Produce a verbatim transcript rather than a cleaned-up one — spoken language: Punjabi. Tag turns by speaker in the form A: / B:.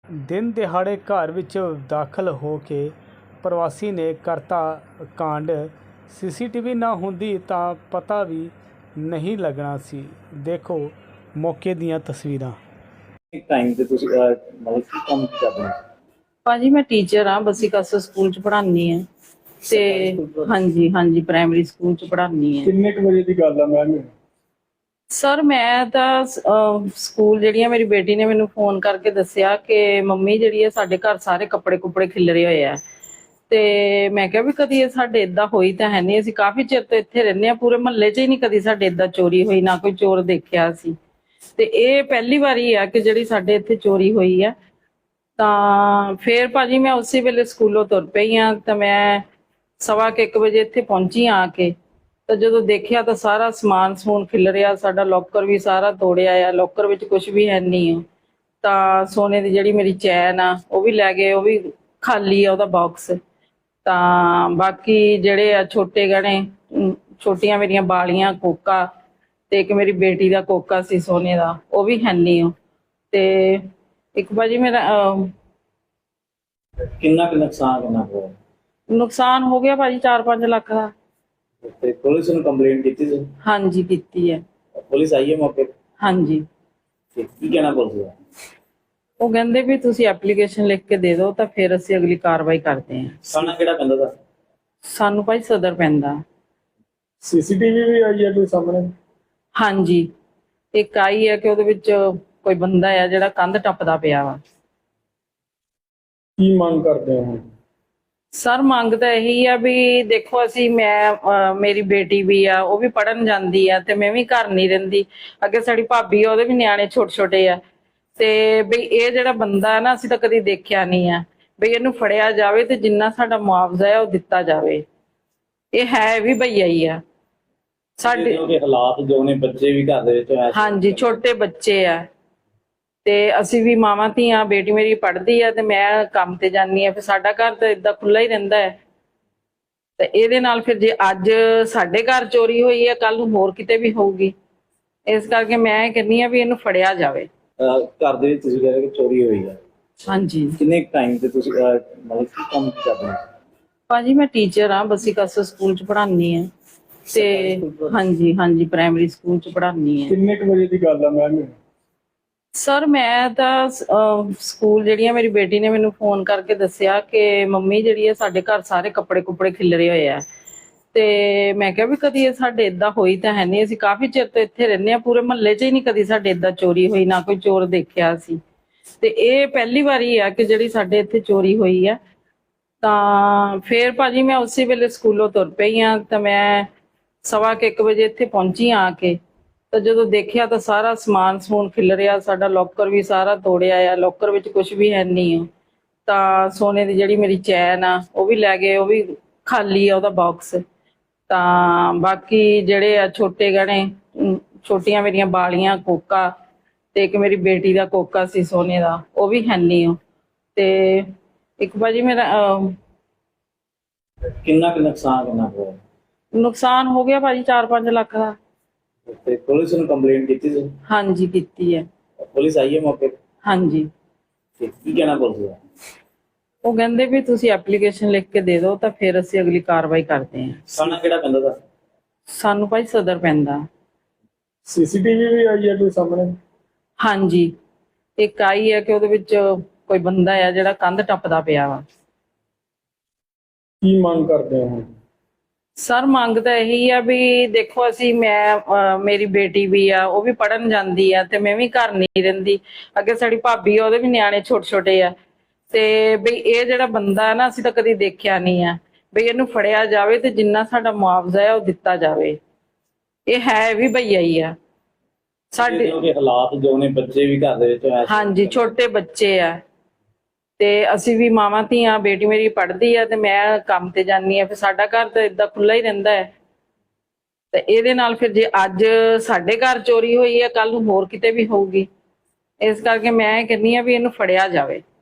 A: ਦਿਨ ਦਿਹਾੜੇ ਘਰ ਵਿੱਚ ਦਾਖਲ ਹੋ ਕੇ ਪ੍ਰਵਾਸੀ ਨੇ ਕਰਤਾ ਕਾਂਡ। ਸੀਸੀਟੀਵੀ ਨਾ ਹੁੰਦੀ ਤਾਂ ਪਤਾ ਵੀ ਨਹੀਂ ਲੱਗਣਾ ਸੀ। ਦੇਖੋ ਮੌਕੇ ਦੀਆਂ ਤਸਵੀਰਾਂ।
B: टाइम से तुसी अ, मतलब की काम की करते हैं
C: ਭਾਜੀ ਮੈਂ ਟੀਚਰ ਹਾਂ ਬਸੀ ਕਸ ਸਕੂਲ ਚ ਪੜ੍ਹਾਉਂਦੀ ਹਾਂ ਤੇ ਹਾਂਜੀ ਹਾਂਜੀ ਪ੍ਰਾਇਮਰੀ ਸਕੂਲ ਚ ਪੜ੍ਹਾਉਂਦੀ ਹਾਂ।
B: किन्ने क बजे दी गल है मैम
C: ਸਰ ਮੈਂ ਤਾਂ ਅਹ, ਸਕੂਲ ਜਿਹੜੀ ਆ ਮੇਰੀ ਬੇਟੀ ਨੇ ਮੈਨੂੰ ਫੋਨ ਕਰਕੇ ਦੱਸਿਆ ਕਿ ਮੰਮੀ ਜਿਹੜੀ ਆ ਸਾਡੇ ਘਰ ਸਾਰੇ ਕੱਪੜੇ ਕੁੱਪੜੇ ਖਿਲਰੇ ਹੋਏ ਆ। ਤੇ ਮੈਂ ਕਿਹਾ ਵੀ ਕਦੀ ਇਹ ਸਾਡੇ ਇਦਾਂ ਹੋਈ ਤਾਂ ਹੈ ਨਹੀਂ, ਅਸੀਂ ਕਾਫੀ ਚਿਰ ਤੋਂ ਇੱਥੇ ਰਹਿੰਦੇ ਆ, ਪੂਰੇ ਮਹੱਲੇ 'ਚ ਹੀ ਨਹੀਂ ਕਦੀ ਸਾਡੇ ਇਦਾਂ ਚੋਰੀ ਹੋਈ, ਨਾ ਕੋਈ ਚੋਰ ਦੇਖਿਆ ਸੀ। ਤੇ ਇਹ ਪਹਿਲੀ ਵਾਰੀ ਆ ਕਿ ਜਿਹੜੀ ਸਾਡੇ ਇੱਥੇ ਚੋਰੀ ਹੋਈ ਆ। ਤਾਂ ਫੇਰ ਭਾਜੀ ਮੈਂ ਉਸੇ ਵੇਲੇ ਸਕੂਲੋਂ ਤੁਰ ਪਈ ਆ ਤਾਂ ਮੈਂ ਸਵਾ ਕੁ ਇੱਕ ਵਜੇ ਇੱਥੇ ਪਹੁੰਚੀ ਆ ਕੇ। ਤਾਂ ਜਦੋਂ ਦੇਖਿਆ ਤਾਂ ਸਾਰਾ ਸਮਾਨ ਸਮੂਨ ਖਿਲ ਰਿਹਾ, ਸਾਡਾ ਲੋਕਰ ਵੀ ਸਾਰਾ ਤੋੜਿਆ ਆ, ਲੋਕਰ ਵਿੱਚ ਕੁਝ ਵੀ ਹੈ ਨਹੀਂ ਆ। ਤਾਂ ਸੋਨੇ ਦੀ ਜਿਹੜੀ ਮੇਰੀ ਚੈਨ ਆ ਉਹ ਵੀ ਲੈ ਗਏ, ਉਹ ਵੀ ਖਾਲੀ ਆ ਉਹਦਾ ਬਾਕਸ। ਤਾਂ ਬਾਕੀ ਜਿਹੜੇ ਆ ਛੋਟੇ ਗਹਿਣੇ, ਅਮ, ਛੋਟੀਆਂ ਮੇਰੀਆਂ ਬਾਲੀਆਂ, ਕੋਕਾ ਤੇ ਇੱਕ ਮੇਰੀ ਬੇਟੀ ਦਾ ਕੋਕਾ ਸੀ ਸੋਨੇ ਦਾ, ਉਹ ਵੀ ਹੈ ਨਹੀਂ ਆ। ਤੇ ਇੱਕ ਭਾਜੀ ਮੇਰਾ ਅਹ,
B: किन्ना क नुकसान किन्ना होया
C: ਨੁਕਸਾਨ ਹੋ ਗਿਆ ਭਾਜੀ ਚਾਰ ਪੰਜ ਲੱਖ ਦਾ।
B: ते पुलिस ने कंप्लेंट की थी
C: ਹਾਂਜੀ ਕੀਤੀ ਹੈ।
B: पुलिस आई है मौके पे?
C: ਹਾਂਜੀ
B: ते की कहना पुलिस का
C: ਉਹ ਕਹਿੰਦੇ ਵੀ ਤੁਸੀਂ ਐਪਲੀਕੇਸ਼ਨ ਲਿਖ ਕੇ ਦੇ ਦਿਓ ਤਾਂ ਫਿਰ ਅਸੀਂ ਅਗਲੀ ਕਾਰਵਾਈ ਕਰਦੇ ਹਾਂ।
B: थाना केड़ा पेंदा दा
C: ਸਾਨੂੰ ਭਾਈ ਸਦਰ ਪੈਂਦਾ।
B: सीसीटीवी भी आई है कोई सामने
C: ਹਾਂਜੀ ਇੱਕ ਆਈ ਹੈ ਕਿ ਉਹਦੇ ਵਿੱਚ ਕੋਈ ਬੰਦਾ ਆ ਜਿਹੜਾ ਕੰਧ ਟੱਪਦਾ ਪਿਆ ਵਾ।
B: की मांग करते हैं
C: ਸਰ ਮੰਗ ਤਾਂ ਇਹੀ ਆ ਵੀ ਦੇਖੋ ਅਸੀਂ ਮੈਂ ਅਹ ਮੇਰੀ ਬੇਟੀ ਵੀ ਆ, ਉਹ ਵੀ ਪੜਨ ਜਾਂਦੀ ਆ ਤੇ ਮੈਂ ਵੀ ਘਰ ਨਹੀਂ ਰਹਿੰਦੀ। ਅੱਗੇ ਸਾਡੀ ਭਾਬੀ ਆ, ਉਹਦੇ ਵੀ ਨਿਆਣੇ ਛੋਟੇ ਛੋਟੇ ਆ। ਤੇ ਬਈ ਇਹ ਜਿਹੜਾ ਬੰਦਾ ਹੈ ਨਾ ਅਸੀਂ ਤਾਂ ਕਦੀ ਦੇਖਿਆ ਨਹੀਂ ਆ, ਬਈ ਇਹਨੂੰ ਫੜਿਆ ਜਾਵੇ ਤੇ ਜਿੰਨਾ ਸਾਡਾ ਮੁਆਵਜ਼ਾ ਹੈ ਉਹ ਦਿੱਤਾ ਜਾਵੇ। ਇਹ ਹੈ ਵੀ ਭਈਆ ਹੀ ਆ ਸਾਡੇ।
B: के हालात जो ने बच्चे भी घर दे विच ऐसे
C: ਹਾਂਜੀ ਛੋਟੇ ਬੱਚੇ ਆ ਤੇ ਅਸੀਂ ਵੀ ਮਾਵਾਂ ਧੀਆਂ, ਬੇਟੀ ਮੇਰੀ ਪੜ੍ਹਦੀ ਆ ਤੇ ਮੈਂ ਕੰਮ ਤੇ ਜਾਂਦੀ ਆ, ਫਿਰ ਸਾਡਾ ਘਰ ਤਾਂ ਇਦਾਂ ਖੁੱਲਾ ਹੀ ਰਹਿੰਦਾ ਹੈ। ਤੇ ਇਹਦੇ ਨਾਲ ਫਿਰ ਜੇ ਅੱਜ ਸਾਡੇ ਘਰ ਚੋਰੀ ਹੋਈ ਹੈ, ਕੱਲ ਨੂੰ ਹੋਰ ਕਿਤੇ ਵੀ ਹੋਊਗੀ। ਇਸ ਕਰਕੇ ਮੈਂ ਕਹਿੰਦੀ ਆ ਵੀ ਇਹਨੂੰ ਫੜਿਆ ਜਾਵੇ।
B: अ, घर दे विच तुसी कह रहे कि चोरी हुई है
C: ਹਾਂਜੀ
B: किन्ने टाइम से तुसी अ, मतलब की काम की करते हैं
C: ਭਾਜੀ ਮੈਂ ਟੀਚਰ ਹਾਂ ਬਸੀ ਕਸ ਸਕੂਲ ਚ ਪੜ੍ਹਾਉਂਦੀ ਹਾਂ ਤੇ ਹਾਂਜੀ ਹਾਂਜੀ ਪ੍ਰਾਇਮਰੀ ਸਕੂਲ ਚ ਪੜ੍ਹਾਉਂਦੀ ਹਾਂ।
B: किन्ने क बजे दी गल है मैम
C: ਸਰ ਮੈਂ ਤਾਂ ਅਹ, ਸਕੂਲ ਜਿਹੜੀ ਆ ਮੇਰੀ ਬੇਟੀ ਨੇ ਮੈਨੂੰ ਫੋਨ ਕਰਕੇ ਦੱਸਿਆ ਕਿ ਮੰਮੀ ਜਿਹੜੀ ਆ ਸਾਡੇ ਘਰ ਸਾਰੇ ਕੱਪੜੇ ਕੁੱਪੜੇ ਖਿਲਰੇ ਹੋਏ ਆ। ਤੇ ਮੈਂ ਕਿਹਾ ਵੀ ਕਦੀ ਇਹ ਸਾਡੇ ਇਦਾਂ ਹੋਈ ਤਾਂ ਹੈ ਨਹੀਂ, ਅਸੀਂ ਕਾਫੀ ਚਿਰ ਤੋਂ ਇੱਥੇ ਰਹਿੰਦੇ ਆ, ਪੂਰੇ ਮਹੱਲੇ 'ਚ ਹੀ ਨਹੀਂ ਕਦੀ ਸਾਡੇ ਇਦਾਂ ਚੋਰੀ ਹੋਈ, ਨਾ ਕੋਈ ਚੋਰ ਦੇਖਿਆ ਸੀ। ਤੇ ਇਹ ਪਹਿਲੀ ਵਾਰੀ ਆ ਕਿ ਜਿਹੜੀ ਸਾਡੇ ਇੱਥੇ ਚੋਰੀ ਹੋਈ ਆ। ਤਾਂ ਫੇਰ ਭਾਜੀ ਮੈਂ ਉਸੇ ਵੇਲੇ ਸਕੂਲੋਂ ਤੁਰ ਪਈ ਆ ਤਾਂ ਮੈਂ ਸਵਾ ਕੁ ਇੱਕ ਵਜੇ ਇੱਥੇ ਪਹੁੰਚੀ ਆ ਕੇ। ਤਾਂ ਜਦੋਂ ਦੇਖਿਆ ਤਾਂ ਸਾਰਾ ਸਮਾਨ ਸਮੂਨ ਖਿਲ ਰਿਹਾ, ਸਾਡਾ ਲੋਕਰ ਵੀ ਸਾਰਾ ਤੋੜਿਆ ਆ, ਲੋਕਰ ਵਿੱਚ ਕੁਝ ਵੀ ਹੈ ਨਹੀਂ ਆ। ਤਾਂ ਸੋਨੇ ਦੀ ਜਿਹੜੀ ਮੇਰੀ ਚੈਨ ਆ ਉਹ ਵੀ ਲੈ ਗਏ, ਉਹ ਵੀ ਖਾਲੀ ਆ ਉਹਦਾ ਬਾਕਸ। ਤਾਂ ਬਾਕੀ ਜਿਹੜੇ ਆ ਛੋਟੇ ਗਹਿਣੇ, ਅਮ, ਛੋਟੀਆਂ ਮੇਰੀਆਂ ਬਾਲੀਆਂ, ਕੋਕਾ ਤੇ ਇੱਕ ਮੇਰੀ ਬੇਟੀ ਦਾ ਕੋਕਾ ਸੀ ਸੋਨੇ ਦਾ, ਉਹ ਵੀ ਹੈ ਨਹੀਂ ਆ। ਤੇ ਇੱਕ ਭਾਜੀ ਮੇਰਾ ਅਹ,
B: किन्ना क नुकसान किन्ना होया
C: ਨੁਕਸਾਨ ਹੋ ਗਿਆ ਭਾਜੀ ਚਾਰ ਪੰਜ ਲੱਖ ਦਾ।
B: ते पुलिस ने कंप्लेंट की थी
C: ਹਾਂਜੀ ਕੀਤੀ ਹੈ।
B: पुलिस आई है मौके पे
C: ਹਾਂਜੀ
B: ते की कहना पुलिस का
C: ਉਹ ਕਹਿੰਦੇ ਵੀ ਤੁਸੀਂ ਐਪਲੀਕੇਸ਼ਨ ਲਿਖ ਕੇ ਦੇ ਦਿਓ ਤਾਂ ਫਿਰ ਅਸੀਂ ਅਗਲੀ ਕਾਰਵਾਈ ਕਰਦੇ ਹਾਂ।
B: थाना केड़ा पेंदा दा
C: ਸਾਨੂੰ ਭਾਈ ਸਦਰ ਪੈਂਦਾ।
B: सीसीटीवी भी आई है कोई सामने
C: ਹਾਂਜੀ ਇੱਕ ਆਈ ਹੈ ਕਿ ਉਹਦੇ ਵਿੱਚ ਕੋਈ ਬੰਦਾ ਆ ਜਿਹੜਾ ਕੰਧ ਟੱਪਦਾ ਪਿਆ ਵਾ।
B: की मांग करते हैं
C: ਸਰ ਮੰਗ ਤਾਂ ਇਹੀ ਆ ਵੀ ਦੇਖੋ ਅਸੀਂ ਮੈਂ ਅਹ, ਮੇਰੀ ਬੇਟੀ ਵੀ ਆ, ਉਹ ਵੀ ਪੜਨ ਜਾਂਦੀ ਆ ਤੇ ਮੈਂ ਵੀ ਘਰ ਨਹੀਂ ਰਹਿੰਦੀ। ਅੱਗੇ ਸਾਡੀ ਭਾਬੀ ਆ, ਉਹਦੇ ਵੀ ਨਿਆਣੇ ਛੋਟੇ ਛੋਟੇ ਆ। ਤੇ ਬਈ ਇਹ ਜਿਹੜਾ ਬੰਦਾ ਹੈ ਨਾ ਅਸੀਂ ਤਾਂ ਕਦੀ ਦੇਖਿਆ ਨਹੀਂ ਆ, ਬਈ ਇਹਨੂੰ ਫੜਿਆ ਜਾਵੇ ਤੇ ਜਿੰਨਾ ਸਾਡਾ ਮੁਆਵਜ਼ਾ ਹੈ ਉਹ ਦਿੱਤਾ ਜਾਵੇ। ਇਹ ਹੈ ਵੀ ਭਈਆ ਹੀ ਆ ਸਾਡੇ।
B: के हालात जो ने बच्चे भी घर दे विच ऐसे
C: ਹਾਂਜੀ ਛੋਟੇ ਬੱਚੇ ਆ ਤੇ ਅਸੀਂ ਵੀ ਮਾਵਾਂ ਧੀਆਂ, ਬੇਟੀ ਮੇਰੀ ਪੜ੍ਹਦੀ ਆ ਤੇ ਮੈਂ ਕੰਮ ਤੇ ਜਾਂਦੀ ਆ, ਫਿਰ ਸਾਡਾ ਘਰ ਤਾਂ ਇਦਾਂ ਖੁੱਲਾ ਹੀ ਰਹਿੰਦਾ ਹੈ। ਤੇ ਇਹਦੇ ਨਾਲ ਫਿਰ ਜੇ ਅੱਜ ਸਾਡੇ ਘਰ ਚੋਰੀ ਹੋਈ ਹੈ, ਕੱਲ ਨੂੰ ਹੋਰ ਕਿਤੇ ਵੀ ਹੋਊਗੀ। ਇਸ ਕਰਕੇ ਮੈਂ ਕਹਿੰਦੀ ਆ ਵੀ ਇਹਨੂੰ ਫੜਿਆ ਜਾਵੇ।